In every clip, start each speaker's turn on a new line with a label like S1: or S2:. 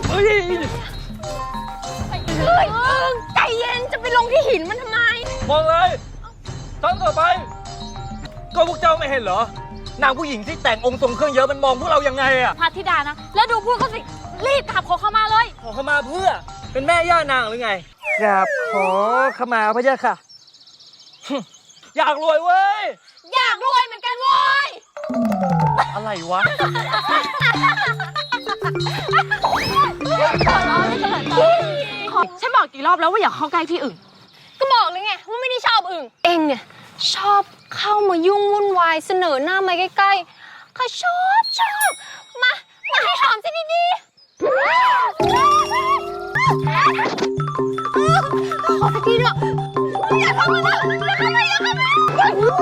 S1: เฮ้ย
S2: ใจเย็นจะไปลงที่หินมันทำไม
S1: มองเลยต้องต่อไปก็พวกเจ้าไม่เห็นเหรอนางผู้หญิงที่แต่งองค์ทรงเครื่องเยอะมันมองพวกเรายังไงอะ
S2: พระธิดานะแล้วดูพูดก็สิรีบขับขอเข้ามาเลย
S1: ขอขมาเพื่อเป็นแม่ย่านางหรือไงกราบขอขมาพระเจ้าค่ะ อยากรวยเว้ย
S2: อยากรวยเหมือนกันเว้ย
S1: อะไรวะ
S2: ฉันบอกกี่รอบแล้วว่าอย่าเข้าใกล้พี่อึ่งก็บอกเลยไงว่าไม่ได้ชอบอึ่งเองเนี่ยชอบเข้ามายุ่งวุ่นวายเสนอหน้ามาใกล้ๆข้าชอบมาให้หอมสิดีๆขอสักทีเถอะอย่าเข้ามานะอย่าเข้ามา
S1: หยุด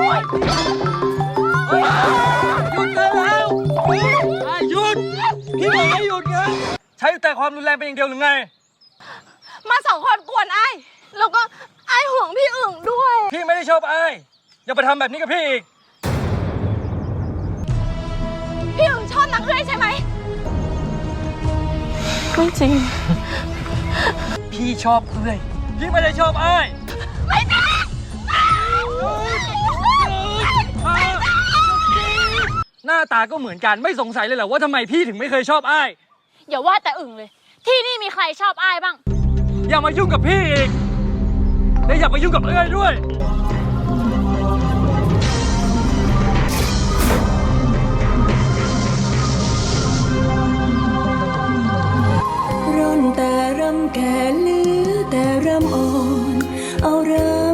S1: ได้แล้วหยุดพี่บอกให้หยุดไงใช้แต่ความรุนแรงเป็นอย่างเดียวหรือไง
S2: มาสองคนกวนไอ้แล้วก็ไอ้ห่วงพี่อึ่งด้วย
S1: พี่ไม่ได้ชอบไอ้อย่าไปทำแบบนี้กับพี่อีก
S2: พี่อึ่งชอบนักเรื่อยใช่ไหมไม่จริง
S1: พี่ชอบเอื้อยพี่ไม่ได้ชอบไอ้
S2: ไม่จริง
S1: หน้าตาก็เหมือนกันไม่สงสัยเลยเหรอว่าทำไมพี่ถึงไม่เคยชอบไอ้
S2: อย่าว่าแต่อึ่งเลยที่นี่มีใครชอบไอ้บ้าง
S1: อย่ามายุ่งกับพี่อีกและอย่ามายุ่งกับเอื้อยด้วย
S3: ร่อนแต่รำแก่เหลือแต่รำอ่อนเอาเริ่